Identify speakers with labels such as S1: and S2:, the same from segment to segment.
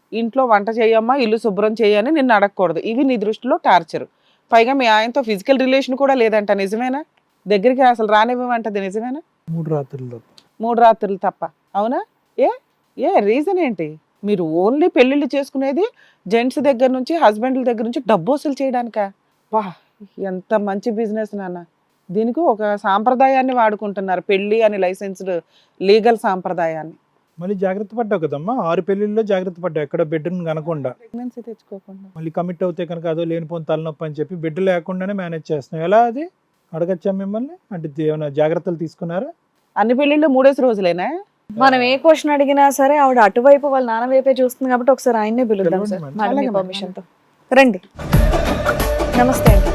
S1: ఇంట్లో వంట చేయమ్మా, ఇల్లు శుభ్రం చేయని నిన్ను అడగకూడదు. ఇవి నీ దృష్టిలో టార్చర్. పైగా మీ ఆయనతో ఫిజికల్ రిలేషన్ కూడా లేదంట, నిజమేనా? దగ్గరికి అసలు రానివ్వమంటది, నిజమేనా?
S2: 3 రాత్రుల్లో
S1: 3 రాత్రులు తప్ప, అవునా? ఏ ఏ రీజన్ ఏంటి? మీరు ఓన్లీ పెళ్ళిళ్ళు చేసుకునేది జెంట్స్ దగ్గర నుంచి, హస్బెండ్ల దగ్గర నుంచి డబ్బు వసూలు చేయడానికా? వా, ఎంత మంచి బిజినెస్ నాన్న. దీనికి ఒక సాంప్రదాయాన్ని వాడుకుంటున్నారు, పెళ్లి అని లైసెన్స్డ్ లీగల్ సాంప్రదాయాన్ని.
S2: మళ్ళీ జాగ్రత్త పడ్డావు కదమ్మా, 6 పెళ్లిళ్ళలో జాగ్రత్త పడ్డావు, ఎక్కడ బెడ్ని కనకుండా.
S1: ప్రెగ్నెన్సీ తెచ్చుకోకుండా
S2: మళ్ళీ కమిట్ అవుతే కనుక అదో లేనిపోని తలనొప్పి అని చెప్పి బెడ్ లేకుండానే మేనేజ్ చేస్తున్నావు. ఎలా అది అడగచ్చా మిమ్మల్ని? అంటే ఏమైనా జాగ్రత్తలు తీసుకున్నారా?
S1: అన్ని పెళ్ళిళ్ళు 3 రోజులేనా?
S3: మనం ఏ క్వశ్చన్ అడిగినా సరే ఆవిడ అటువైపు వాళ్ళ నాన్న వైపే చూస్తుంది కాబట్టి ఒకసారి ఆయన్నే పిలుద్దాం సార్,
S2: పిలవండి
S3: మేడం మీ
S1: అలాగే
S3: పర్మిషన్ తో. రండి. నమస్తే అండి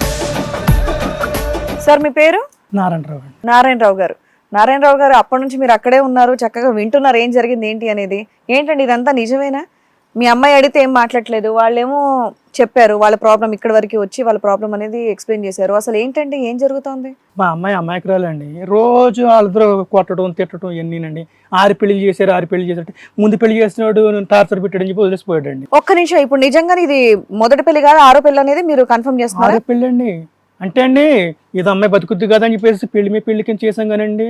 S3: సార్, మీ పేరు?
S4: నారాయణరావు అండి.
S3: నారాయణరావు గారు. నారాయణరావు గారు, అప్పటి నుంచి మీరు అక్కడే ఉన్నారు, చక్కగా వింటున్నారు ఏం జరిగింది ఏంటి అనేది. ఏంటండి ఇదంతా నిజమేనా? మీ అమ్మాయి అడిగితే ఏం మాట్లాడలేదు, వాళ్ళేమో చెప్పారు వాళ్ళ ప్రాబ్లం, ఇక్కడ వరకు వచ్చి వాళ్ళ ప్రాబ్లం అనేది ఎక్స్ప్లెయిన్ చేశారు. అసలు ఏంటండి, ఏం జరుగుతోంది?
S4: మా అమ్మాయి అమాయకురాలండి. రోజు వాళ్ళిద్దరూ కొట్టడం తిట్టడం ఇవన్నీనండి. 6 పెళ్లి చేశారు, 6 పెళ్లి చేశారు, ముందు పెళ్లి చేసినాడు టార్చర్ పెట్టాడని చెప్పి వదిలేసిపోయాడండి.
S3: ఒక్క నిమిషం, ఇప్పుడు నిజంగా ఇది మొదటి పెళ్లి కాదు 6వ పెళ్లి అనేది మీరు కన్ఫర్మ్ చేస్తున్నారు?
S4: 6 పెళ్ళి అండి. అంటే అండి ఇది అమ్మాయి బతుకుద్ది కదా అని చెప్పేసి పెళ్లి మీ పెళ్లికి చేసాం కానండి.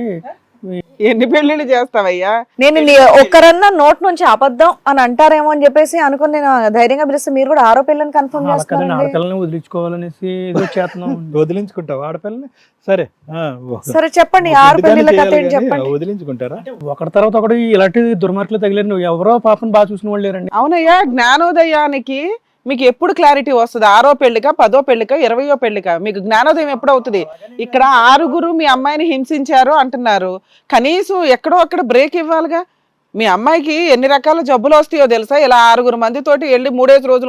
S1: ఎన్ని పెళ్ళిళ్ళు చేస్తావయ్యా?
S3: నేను ఒక్కరన్నా నోట్ నుంచి అబద్ధం అని అంటారేమో అని చెప్పేసి అనుకుని నేను ధైర్యంగా పిలిస్తే మీరు కూడా 6వ పెళ్ళని కన్ఫర్మ్ చేస్తున్నారు.
S4: ఆడపిల్లని వదిలించుకోవాలనేసి ఏదో చేస్తున్నాం.
S2: వదిలించుకుంటావు ఆడపిల్లని? సరే
S3: సరే చెప్పండి, 6 పెళ్లిళ్ళ కథ ఏంటి చెప్పండి.
S2: వదిలించుకుంటారా?
S4: ఒకటి తర్వాత ఒకటి ఇలాంటి దుర్మార్గులు తగిలేరు. నువ్వు ఎవరో పాపం బాగా చూసిన వాళ్ళు లేరండి.
S1: అవునయ్యా, జ్ఞానోదయానికి మీకు ఎప్పుడు క్లారిటీ వస్తుంది? 6వ పెళ్లిక, 10వ పెళ్లిక, 20వ పెళ్లిక? మీకు జ్ఞానోదయం ఎప్పుడు అవుతుంది? ఇక్కడ 6 మీ అమ్మాయిని హింసించారు అంటున్నారు, కనీసం ఎక్కడో అక్కడ బ్రేక్ ఇవ్వాలిగా. మీ అమ్మాయికి ఎన్ని రకాల జబ్బులు వస్తాయో తెలుసా? ఇలా 6 మందితోటి వెళ్ళి 3 రోజులు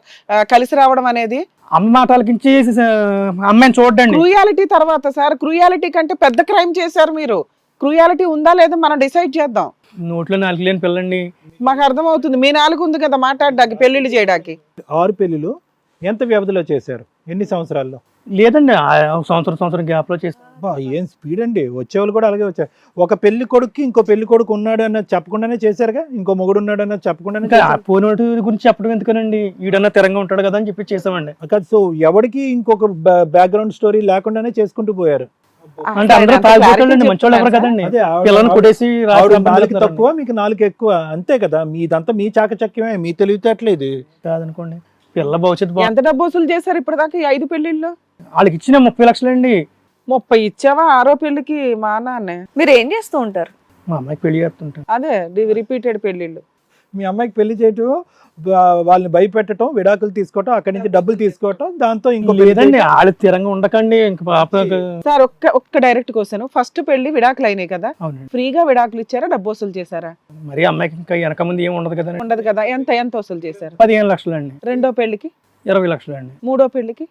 S1: కలిసి రావడం అనేది.
S4: అమ్మ మాటలకించి అమ్మాయిని చూడండి.
S1: క్రూయాలిటీ తర్వాత సార్, క్రూయాలిటీ కంటే పెద్ద క్రైమ్ చేశారు మీరు. క్రూయాలిటీ ఉందా లేదా మనం డిసైడ్ చేద్దాం.
S4: నోట్లో 4 లేని పిల్లండి.
S1: మాకు అర్థమవుతుంది, మీ 4 ఉంది కదా మాట్లాడడానికి, పెళ్లిళ్ళు చేయడానికి.
S2: 6 పెళ్లిలు ఎంత వ్యవధిలో చేశారు? ఎన్ని సంవత్సరాల్లో?
S4: లేదండి, సంవత్సరం గ్యాప్ లో చేస్తాం.
S2: ఏం స్పీడ్ అండి! వచ్చేవాళ్ళు కూడా అలాగే వచ్చారు. ఒక పెళ్లి కొడుక్కి ఇంకో పెళ్లి కొడుకు ఉన్నాడు అన్నది చెప్పకుండానే చేశారుగా, ఇంకో మొగుడు ఉన్నాడు అన్నది చెప్పకుండానే.
S4: పోయినోటి గురించి చెప్పడం ఎందుకనండి, ఈడన్నా తిరంగా ఉంటాడు కదా అని చెప్పి చేసామండి.
S2: సో ఎవరికి ఇంకొక బ్యాక్గ్రౌండ్ స్టోరీ లేకుండానే చేసుకుంటూ పోయారు.
S4: అంటే అందరూ తాగిపోతాడండి, మంచోళ్ళు ఎవరు కదండి. పిల్లల్ని కొట్టేసి
S2: నాలుగు తక్కువ, మీకు 4 ఎక్కువ, అంతే కదా. మీదంతా మీ చాకచక్యమే, మీ తెలివితేటలేదు
S4: కాదనుకోండి. పిల్ల భవిష్యత్తు
S1: ఎంత డబ్బు వసూలు చేశారు ఇప్పటిదాకా ఈ 5 పెళ్లిళ్ళు?
S4: వాళ్ళకి ఇచ్చిన 30 లక్షలండి.
S1: 30 ఇచ్చావా 6వ పెళ్లికి? మా నాన్నే.
S3: మీరు ఏం చేస్తూ ఉంటారు?
S4: మా అమ్మాయికి పెళ్లి చేస్తుంటాను.
S1: అదే రిపీటెడ్ పెళ్లిళ్ళు.
S2: మీ అమ్మాయికి పెళ్లి చేయటం, వాళ్ళని భయపెట్టడం, విడాకులు తీసుకోవటం, అక్కడి నుంచి డబ్బులు తీసుకోవటం, దాంతో ఇంకో
S4: లేదండి వాళ్ళు తిరంగా ఉండకండి. ఇంక పాప
S1: సార్ ఒక్క డైరెక్ట్ క్వశ్చన్, ఫస్ట్ పెళ్లి విడాకులు అయినాయి కదా,
S4: అవునండి.
S1: ఫ్రీగా విడాకులు ఇచ్చారా, డబ్బు వసూలు చేశారా?
S4: మరి అమ్మాయికి ఇంకా వెనక ముందు ఏమి ఉండదు కదండి.
S1: ఉండదు కదా. ఎంత వసూలు చేశారు?
S4: 15 లక్షలండి.
S1: 2వ పెళ్లికి
S4: 20 లక్షలండి.
S1: 3వ పెళ్లికి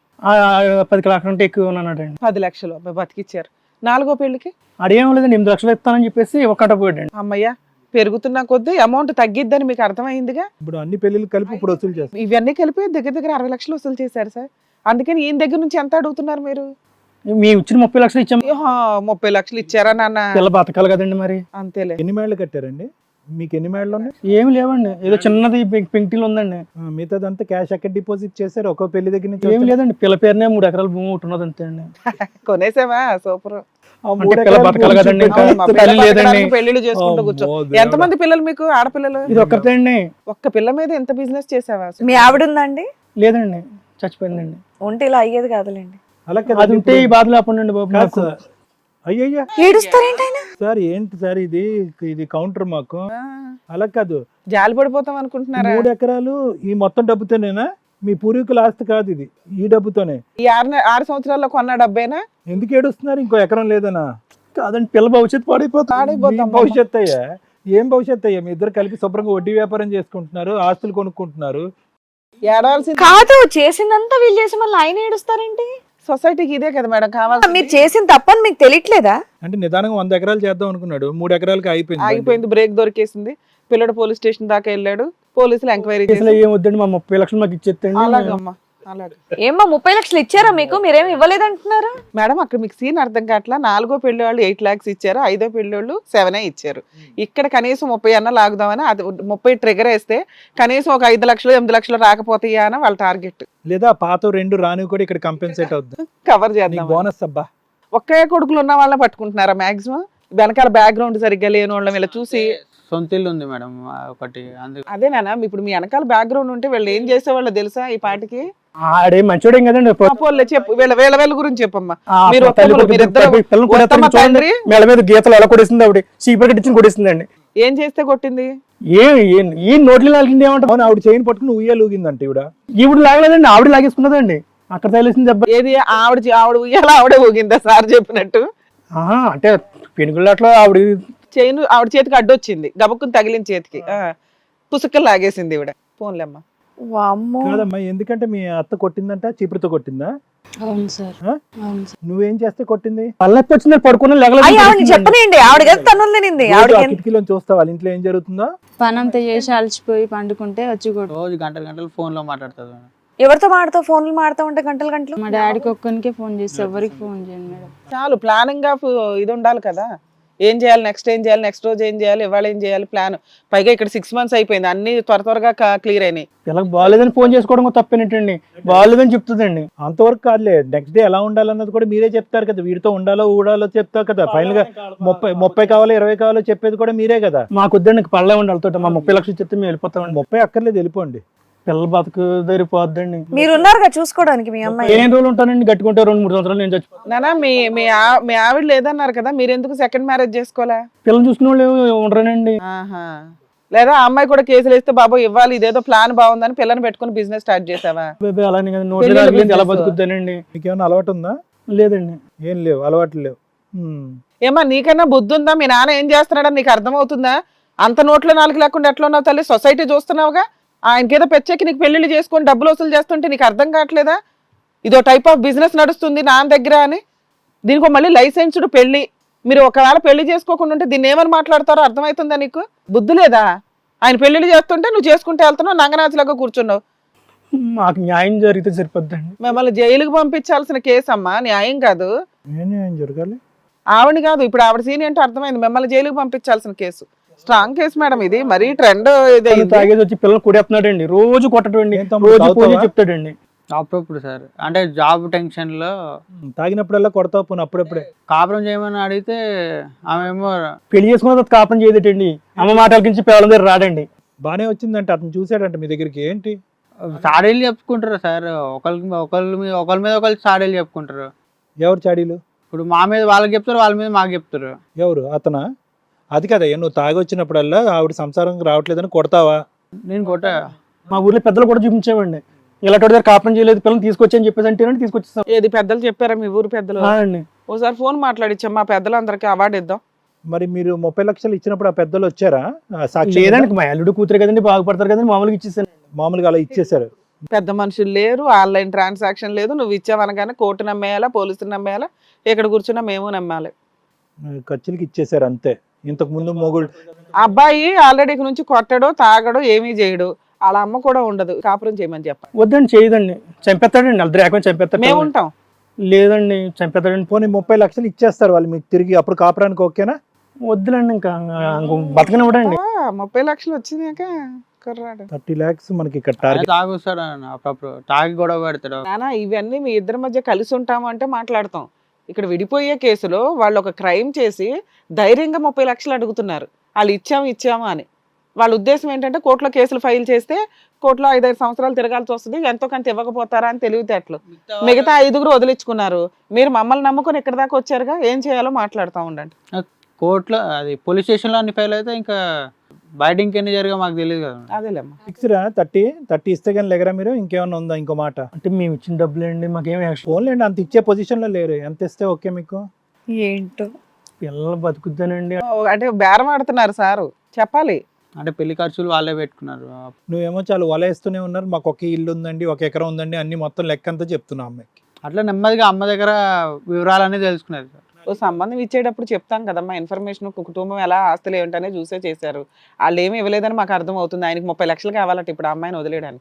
S4: 10 లక్షలు అంటే ఎక్కువ ఉన్నాడండి.
S1: 10 లక్షలు బతికిచ్చారు. 4వ పెళ్లికి
S4: అదేం లేదండి, 8 లక్షలు ఇస్తానని చెప్పేసి ఒక్కట పోయాడండి.
S1: అమ్మయ్య, పెరుగుతున్న కొద్దీ అమౌంట్ తగ్గిద్దని మీకు అర్థమైందిగా.
S2: ఇప్పుడు అన్ని పెళ్లిళ్ళు కలిపి ఇప్పుడు వసూలు చేస్తారు.
S1: ఇవన్నీ కలిపి దగ్గర 60 లక్షలు వసూలు చేశారు సార్. అందుకని ఈయన దగ్గర నుంచి ఎంత అడుగుతున్నారు మీరు?
S4: మేము ఇచ్చిన 30 లక్షలు ఇచ్చాము.
S1: 30 లక్షలు ఇచ్చారా నాన్న?
S4: పిల్ల బతకాలి కదండి మరి.
S1: అంతేలే.
S2: ఎన్ని మేళ్ళు కట్టారండి? మీకు ఎన్ని మేళ్ళు ఉన్నాయి?
S4: ఏమి లేవండి, ఏదో చిన్నది పెంకిటీలు ఉందండి.
S2: మిగతాదంతా క్యాష్ ఎక్కడ డిపాజిట్ చేశారు? ఒక్కో పెళ్లి దగ్గర నుంచి
S4: ఏమి లేదండి, పిల్ల పేరునే 3 ఎకరాల భూమి ఒకటి ఉన్నది అంతే అండి.
S1: కొనేసావా? సూపర్.
S4: పిల్ల బతకాలి కదండి, లేదండి.
S1: పెళ్లిళ్ళు చేసుకుంటూ కూర్చో. ఎంతమంది పిల్లలు మీకు, ఆడపిల్లలు?
S4: ఇది ఒక్కతే అండి.
S1: ఒక్క పిల్ల మీద ఎంత బిజినెస్ చేసావా?
S3: మీ ఆవిడ ఉందండి?
S4: లేదండి, చచ్చిపోయిందండి.
S3: ఉంటే ఇలా అయ్యేది కాదులేండి.
S2: అలా
S4: అది ఉంటే ఈ బాధ లేకుండా బాబు నాకు.
S2: అయ్యయ్యా
S3: ఏడుస్తారేంటి ఆయన?
S2: సార్ ఏంటి సార్ ఇది కౌంటర్ మాకు. అలా కాదు,
S1: జాలి పడిపోతాం అనుకుంటున్నారా?
S2: 3 ఎకరాలు ఈ మొత్తం డబ్బుతోనేనా? మీ పూర్వీకుల ఆస్తి కాదు ఇది, ఈ డబ్బుతోనే.
S1: ఈ 6 సంవత్సరాల్లో కొన్న డబ్బేనా?
S2: ఎందుకు ఏడుస్తున్నారు? ఇంకో ఎకరం లేదనా?
S4: కాదండి, పిల్ల భవిష్యత్తు పాడైపోతుంది.
S2: భవిష్యత్తు అయ్యా, ఏం భవిష్యత్తు అయ్యా? మీ ఇద్దరు కలిపి శుభ్రంగా వడ్డీ వ్యాపారం చేసుకుంటున్నారు, ఆస్తులు కొనుక్కుంటున్నారు.
S1: ఏడవలసింది
S3: కాదు, చేసిందంతా వీళ్ళు చేసి మళ్ళీ ఆయన ఏడుస్తారేంటి?
S1: సొసైటీకి ఇదే కదా మేడం కావాలి.
S3: మీరు చేసిన తప్పని మీకు తెలియట్లేదా?
S2: అంటే నిదానంగా 100 ఎకరాలు చేద్దాం అనుకున్నాడు, 3 ఎకరాలకి
S1: ఆగిపోయింది. బ్రేక్ దొరికేసింది. పిల్లడు పోలీస్ స్టేషన్ దాకా వెళ్ళాడు, పోలీసులు ఎంక్వైరీ చేసి
S4: ఏం వద్దండి, మా 30 లక్షలు మాకు ఇచ్చేస్తండి.
S1: అలాగమ్మా అలాగే
S3: ఏమ్మా 30 లక్షలు ఇచ్చారా మీకు? మీరేమి ఇవ్వలేదంటున్నారు.
S1: మేడం అక్కడ మీకు సీన్ అర్థం కావట్లా. 4గో పెళ్లి వాళ్ళు 8 lakhs ఇచ్చారు, 5వ పెళ్లి వాళ్ళు 7 ఇచ్చారు. ఇక్కడ కనీసం 30 అన్న లాగుదామని, అది 30 ట్రిగర్ వేస్తే కనీసం ఒక 5 లక్షలు 8 లక్షలు రాకపోతాయా అని వాళ్ళ టార్గెట్.
S2: లేదా పాత 2 రాని కూడా ఇక్కడ కంపెన్సేట్ అవుద్ది,
S1: కవర్ చేద్దాం.
S2: బోనస్ అబ్బా.
S1: ఒకే కొడుకులు ఉన్న వాళ్ళని పట్టుకుంటున్నారా మాక్సిమం? వెనకాల బ్యాక్గ్రౌండ్ సరిగ్గా లేని వాళ్ళని వీళ్ళ చూసి.
S5: సొంత ఇల్లు ఉంది మేడం ఒకటి, అందుకు
S1: అదేనా ఇప్పుడు మీ వెనకాల బ్యాక్గ్రౌండ్ ఉంటే వీళ్ళు ఏం చేసేవాళ్ళు తెలుసా ఈ పాటికి?
S4: ఆడే మంచోడేం కదండి.
S1: పోన్లే చెప్పు, వీళ్ళ గురించి చెప్పమ్మా.
S4: ఆ
S1: మీరు
S4: తల్లి
S1: ఒక్కరు,
S4: కొడుకు
S1: మీరిద్దరు
S4: పిల్లలు కూడా
S1: ఉత్తమ
S4: చూడండి,
S1: తండ్రి.
S4: మెడ మీద గీతలు ఎలా కొడేసింది ఆవిడ, చీపురు కట్టించి కొడేసిందండి.
S1: ఏం చేస్తే కొట్టింది?
S4: ఈ నోట్లు లాగింది ఏమంటారు?
S2: అవును, ఆవిడ చైన్ పట్టుకుని ఉయ్యాలు ఊగిందంట ఈవిడ.
S4: ఈవిడ లాగలేదండి, ఆవిడ లాగేసుకున్నదండి. అక్కడ తగిలేసింది దెబ్బ.
S1: ఏది ఆవిడ ఉయ్యాల ఆవిడే ఊగిందా సార్ చెప్పినట్టు?
S4: అంటే పెనుగులాట్లో ఆవిడ
S1: చైన్ ఆవిడ చేతికి అడ్డొచ్చింది, గబక్కుని తగిలిన చేతికి పుసుక్కలు లాగేసింది ఈవిడ. పోన్లేమ్మా.
S3: వామ్మో.
S2: కాదమ్మా, ఎందుకంటే మీ అత్త కొట్టిందంట, చీపురుతో కొట్టిందా?
S6: అవును సార్.
S2: ఆ?
S6: అవును సార్.
S2: నువ్వేం చేస్తే కొట్టింది?
S4: పల్లెత్తి వచ్చింది, పడుకున్న
S3: అయ్యి ఆవిడని చెప్పనండి, ఆవిడ కదా తన్నులు తినింది.
S2: రోజు ఆ కిటికీలో చూస్తావు వాళ్ళ ఇంట్లో ఏం జరుగుతుందో.
S6: పని అంతా చేసి అలసిపోయి పండుకుంటే వచ్చి కొడు.
S5: రోజు గంటలు ఫోన్ లో మాట్లాడుతుంది మేడం.
S3: ఎవరితో మాడతావు? ఫోన్లు మాడతా ఉంటే గంటలు గంటలు.
S6: మా డాడీకి ఒక్కనికే ఫోన్ చేసి ఎవరికి ఫోన్ చేయండి మేడం.
S1: చాలు, ప్లానింగ్ ఆఫ్ ఇది ఉండాలి కదా. ఏం చేయాలి, నెక్స్ట్ ఏం చేయాలి, నెక్స్ట్ రోజు ఏం చేయాలి, ఇవాళ ఏం చేయాలి, ప్లాన్. పైగా ఇక్కడ 6 months అయిపోయింది, అన్ని త్వరగా క్లియర్ అయినాయి.
S4: ఇలా బాగాలేదని ఫోన్ చేసుకోవడం తప్పేనట్టండి, బాగాలేదని చెప్తుందండి.
S2: అంతవరకు కాదులే, నెక్స్ట్ డే ఎలా ఉండాలన్నది కూడా మీరే చెప్తారు కదా. వీడితో ఉండాలో ఊడాలో చెప్తారు కదా. ఫైనల్ గా 30 కావాలో 20 కావాలో చెప్పేది కూడా మీరే కదా.
S4: మాకు వద్దండి, పళ్ళే ఉండి వాళ్ళతో మా 30 లక్షలు చెప్తే మేము వెళ్ళిపోతామండి.
S2: 30 అక్కర్లేదు, వెళ్ళిపోండి.
S4: పిల్లల బతుకు దరిపోద్దండి.
S3: మీరున్నారుగా చూసుకోవడానికి మీ అమ్మాయి.
S4: ఏం రోజులు ఉంటానండి, గట్టుకుంటే 2-3 సంవత్సరాలు నేను చచ్చిపోతాను.
S1: నానా మీ ఆవిడ లేదన్నారు కదా, మీరు ఎందుకు సెకండ్ మ్యారేజ్ చేసుకోవాలా?
S4: పిల్లలు చూసుకునే వాళ్ళు ఉండరానండి.
S1: ఆహా. లేదా ఆ అమ్మాయి కూడా కేసులు వేస్తే బాబు ఇవ్వాలి, ఇదేదో ప్లాన్ బాగుందని పిల్లని పెట్టుకుని బిజినెస్ స్టార్ట్ చేసావా?
S4: అలానే కదా, నోట్లో రాగలేదు, ఎలా బతుకుతానండి?
S2: మీకేమైనా అలవాటు ఉందా?
S4: లేదండి.
S2: ఏం లేవు, అలవాట్లు లేవు.
S1: ఏమా నీకన్నా బుద్ధి ఉందా? మీ నాన్న ఏం చేస్తున్నాడని నీకు అర్థమవుతుందా? అంత నోట్లో 4 లేకుండా ఎట్లా ఉన్నావు తల్లి? సొసైటీ చూస్తున్నావుగా, ఆయనకేదో పెచ్చెక్కి నీకు పెళ్లిళ్ళు చేసుకొని డబ్బులు వసూలు చేస్తుంటే నీకు అర్థం కావట్లేదా? ఇదో టైప్ ఆఫ్ బిజినెస్ నడుస్తుంది నాన్న దగ్గర అని. దీనికి మళ్ళీ లైసెన్స్డ్ పెళ్లి. మీరు ఒకవేళ పెళ్లి చేసుకోకుండా ఉంటే దీన్ని ఏమని మాట్లాడతారో అర్థమవుతుందా నీకు? బుద్ధి లేదా? ఆయన పెళ్లిళ్ళు చేస్తుంటే నువ్వు చేసుకుంటే వెళ్తున్నావు, నంగనాచిలాగా కూర్చున్నావు.
S4: మాకు న్యాయం జరిగితే సరిపోద్దండి.
S1: మిమ్మల్ని జైలుకి పంపించాల్సిన కేసు అమ్మా, న్యాయం కాదు.
S2: ఏం జరగాలి?
S1: ఆవిడ కాదు, ఇప్పుడు ఆవిడ సీన్ ఏంటో అర్థమైంది. మిమ్మల్ని జైలుకి పంపించాల్సిన కేసు. స్ట్రాంగ్ కేసు మేడం ఇది, మరీ ట్రెండ్.
S4: తాగేసి వచ్చి పిల్లలు కొడేస్తున్నాడండి, రోజు కొట్టడండి,
S2: ఏం తమ్ముడు,
S4: రోజు పూజ
S2: తాగుతావా?
S4: చెప్తాడండి.
S5: అప్పుడప్పుడు సార్, అంటే జాబ్ టెన్షన్ లో
S2: తాగినప్పుడల్లా కొడతావు, పోను అప్పుడప్పుడే.
S5: కాపురం చేయమని అడిగితే ఆమె ఏమో
S4: పెళ్లి చేసుకున్న తర్వాత కాపం చేయదేటండి, అమ్మ మాటలకించి పిల్లల దగ్గర రాడండి.
S2: బానే వచ్చిందంటే అతను చూసాడంట మీ దగ్గరికి. ఏంటి
S5: సాడీలు చెప్పుకుంటారు సార్, ఒకళ్ళ మీద ఒకళ్ళు సాడీలు చెప్పుకుంటారు.
S2: ఎవరు చాడీలు?
S5: ఇప్పుడు మా మీద వాళ్ళకి చెప్తారు, వాళ్ళ మీద మాకు చెప్తారు.
S2: ఎవరు? అతనా? అది కదా, నువ్వు తాగి వచ్చినప్పుడల్లా ఆవిడ సంసారం రావట్లేదని కొడతావా?
S5: నేను కొట్ట
S4: మా ఊర్లో పెద్దలు కూడా చూపించామండి, ఇలాంటి దగ్గర కాపురం చేయలేదు పిల్లలు తీసుకొచ్చి అని చెప్పేసి అంటే తీసుకొచ్చేస్తాం.
S1: ఏది పెద్దలు చెప్పారా మీ ఊరు పెద్దలు?
S4: అండి.
S1: ఓసారి ఫోన్ మాట్లాడిచ్చా మా పెద్దలందరికీ అవార్డు ఇద్దాం.
S2: మరి మీరు 30 లక్షలు ఇచ్చినప్పుడు ఆ పెద్దలు వచ్చారా? సాక్షి
S4: లేదండి, మా అల్లుడు కూతురు కదండి, బాగుపడతారు కదండి, మామూలుగా ఇచ్చేసాను.
S2: మామూలుగా అలా ఇచ్చేసారు.
S1: పెద్ద మనుషులు లేరు, ఆన్లైన్ ట్రాన్సాక్షన్ లేదు. నువ్వు ఇచ్చావనగానే కోర్టు నమ్మేయాలా, పోలీసులు నమ్మేయాలా, ఇక్కడ కూర్చున్నా మేము నమ్మాలి.
S2: ఖర్చులకి ఇచ్చేసారు అంతే. ఇంతకు ముందు మొగుడు
S1: అబ్బాయి ఆల్రెడీ నుంచి కొట్టడో తాగడో ఏమీ చేయడు, వాళ్ళ అమ్మ కూడా ఉండదు, కాపురం చేయమని చెప్పాలి.
S4: వద్దండి, చేయదండి, చంపేస్తాడండి, అద్దరు ఏకం చంపేస్తాడు.
S1: మేము ఉంటాం.
S4: లేదండి, చంపేస్తాడండి.
S2: పోనీ 30 లక్షలు ఇచ్చేస్తారు వాళ్ళు మీకు తిరిగి, అప్పుడు కాపురానికి ఓకేనా?
S4: వద్దులండి, ఇంకా బతకనివ్వడండి.
S1: 30 లక్షలు వచ్చినాక కుర్రాడు.
S2: 30 lakhs మనకి ఇక్కడ టార్గెట్.
S5: తాగుస్తాడు అప్పుడప్పుడు, తాగి గొడవ పెడతాడు.
S1: నానా ఇవన్నీ మీ ఇద్దరి మధ్య కలిసి ఉంటాము అంటే మాట్లాడతాం. ఇక్కడ విడిపోయే కేసులో వాళ్ళు ఒక క్రైమ్ చేసి ధైర్యంగా 30 లక్షలు అడుగుతున్నారు. వాళ్ళు ఇచ్చాము అని. వాళ్ళ ఉద్దేశం ఏంటంటే కోర్టులో కేసులు ఫైల్ చేస్తే కోర్టులో 5-5 సంవత్సరాలు తిరగాల్సి వస్తుంది, ఎంతో కొంత ఇవ్వకపోతారా అని తెలివితేటలు. మిగతా 5 వదిలించుకున్నారు. మీరు మమ్మల్ని నమ్ముకొని ఇక్కడ దాకా వచ్చారుగా, ఏం చేయాలో మాట్లాడుతూ ఉండండి.
S5: కోర్టులో అది పోలీస్ స్టేషన్ లో అన్ని ఫైల్ అయితే ఇంకా బయట ఇంకెన్ని జరిగా మాకు తెలియదు కదా.
S1: అదేలేమ్మా.
S2: ఫిక్స్రా 30 ఇస్తే కానీ లేగరా మీరు? ఇంకేమన్నా ఉందా ఇంకో మాట?
S4: అంటే మేము ఇచ్చిన డబ్బులేండి, మాకేం యాక్షన్.
S2: ఫోన్లేండి, అంత ఇచ్చే పొజిషన్ లో లేరు. ఎంత ఇస్తే ఓకే మీకు?
S3: ఏంటో
S4: పిల్లలు బతుకుతానండి.
S1: అంటే బేరం ఆడుతున్నారు సారు, చెప్పాలి.
S5: అంటే పెళ్లి ఖర్చులు వాళ్ళే పెట్టుకున్నారు.
S2: నువ్వేమో చాలా వలేస్తూనే ఉన్నారు. మాకు ఒక ఇల్లు ఉందండి, 1 ఎకరం ఉందండి, అన్ని మొత్తం లెక్క అంతా చెప్తున్నావు అమ్మాయికి.
S5: అట్లా నెమ్మదిగా అమ్మ దగ్గర వివరాలన్నీ తెలుసుకున్నారు సార్.
S1: ఓ సంబంధం ఇచ్చేటప్పుడు చెప్తాం కదమ్మా, ఇన్ఫర్మేషన్ కుటుంబం ఎలా ఆస్తులు ఏమిటనే చూసే చేశారు. వాళ్ళు ఏమి ఇవ్వలేదని మాకు అర్థం అవుతుంది. ఆయనకి 30 లక్షలు కావాలంటే ఇప్పుడు ఆ అమ్మాయిని వదిలేయడానికి.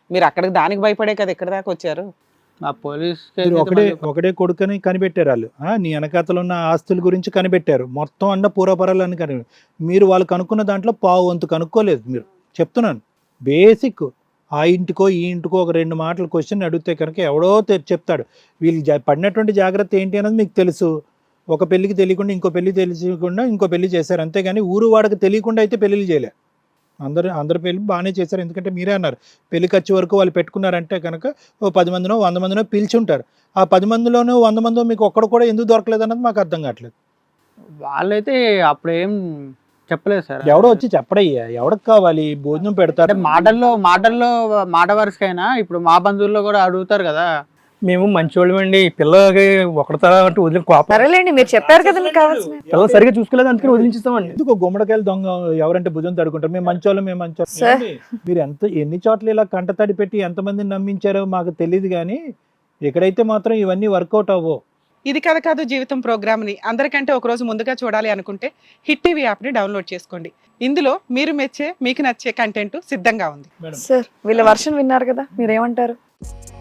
S1: మీరు అక్కడికి దానికి భయపడే కదా ఇక్కడ దాకా వచ్చారు.
S5: ఆ పోలీస్
S2: మీరు ఒకడే కొడుకని కనిపెట్టారు వాళ్ళు. నీ వెనకాతలు ఉన్న ఆస్తుల గురించి కనిపెట్టారు, మొత్తం అన్న పూర్వపరాలని మీరు వాళ్ళు కనుక్కున్న దాంట్లో పావు వంతు కనుక్కోలేదు. మీరు చెప్తున్నాను బేసిక్, ఆ ఇంటికో ఈ ఇంటికో ఒక 2 మాటలు క్వశ్చన్ అడిగితే కనుక ఎవడో చెప్తాడు. వీళ్ళు పడినటువంటి జాగ్రత్త ఏంటి అన్నది మీకు తెలుసు. ఒక పెళ్లికి తెలియకుండా ఇంకో పెళ్లి తెలియకుండా ఇంకో పెళ్లి చేశారు, అంతేగాని ఊరు వాడికి తెలియకుండా అయితే పెళ్లిళ్ళు చేయలే. అందరు పెళ్లి బాగానే చేశారు. ఎందుకంటే మీరే అన్నారు పెళ్లి ఖర్చు వరకు వాళ్ళు పెట్టుకున్నారంటే కనుక ఓ 10 మందినో 100 మందినో పిలిచి ఉంటారు. ఆ 10 మందిలోనో 100 మందో మీకు ఒక్కడు కూడా ఎందుకు దొరకలేదు అన్నది మాకు అర్థం కావట్లేదు.
S5: వాళ్ళైతే అప్పుడు ఏం చెప్పలేదు సార్.
S2: ఎవడో వచ్చి చెప్పడయ్యా, ఎవరికి కావాలి భోజనం పెడతారు.
S5: అంటే మాటల్లో మాట వరుసకైనా ఇప్పుడు మా బంధువుల్లో కూడా అడుగుతారు కదా.
S4: మేము మంచోళ్ళమండి, పిల్లలకి ఒకటితరా అంటే వదిలి కోపం.
S3: సరేలేండి, మీరు చెప్పారు కదా మీకు కావాల్సిన.
S4: పిల్లలు సరిగా చూసుకోలేదు అందుకని వదిలించేస్తామండి.
S2: ఎందుకు గుమ్మడికాయలు దొంగ ఎవరంటే భుజం తడుకుంటారు. మేము మంచోళ్ళం
S3: సార్.
S2: మీరు ఎన్ని చోట్ల ఇలా కంటతడి పెట్టి ఎంతమందిని నమ్మించారో మాకు తెలియదు, కానీ ఇక్కడైతే మాత్రం ఇవన్నీ వర్కౌట్ అవ్వవు.
S1: ఇది కథ కాదు జీవితం ప్రోగ్రామ్ని అందరికంటే ఒక రోజు ముందుగా చూడాలి అనుకుంటే హిట్ టీవీ యాప్ని డౌన్లోడ్ చేసుకోండి. ఇందులో మీరు మెచ్చే మీకు నచ్చే కంటెంట్ సిద్ధంగా ఉంది.
S3: సార్ వీళ్ళ వర్షన్ విన్నారు కదా, మీరేమంటారు?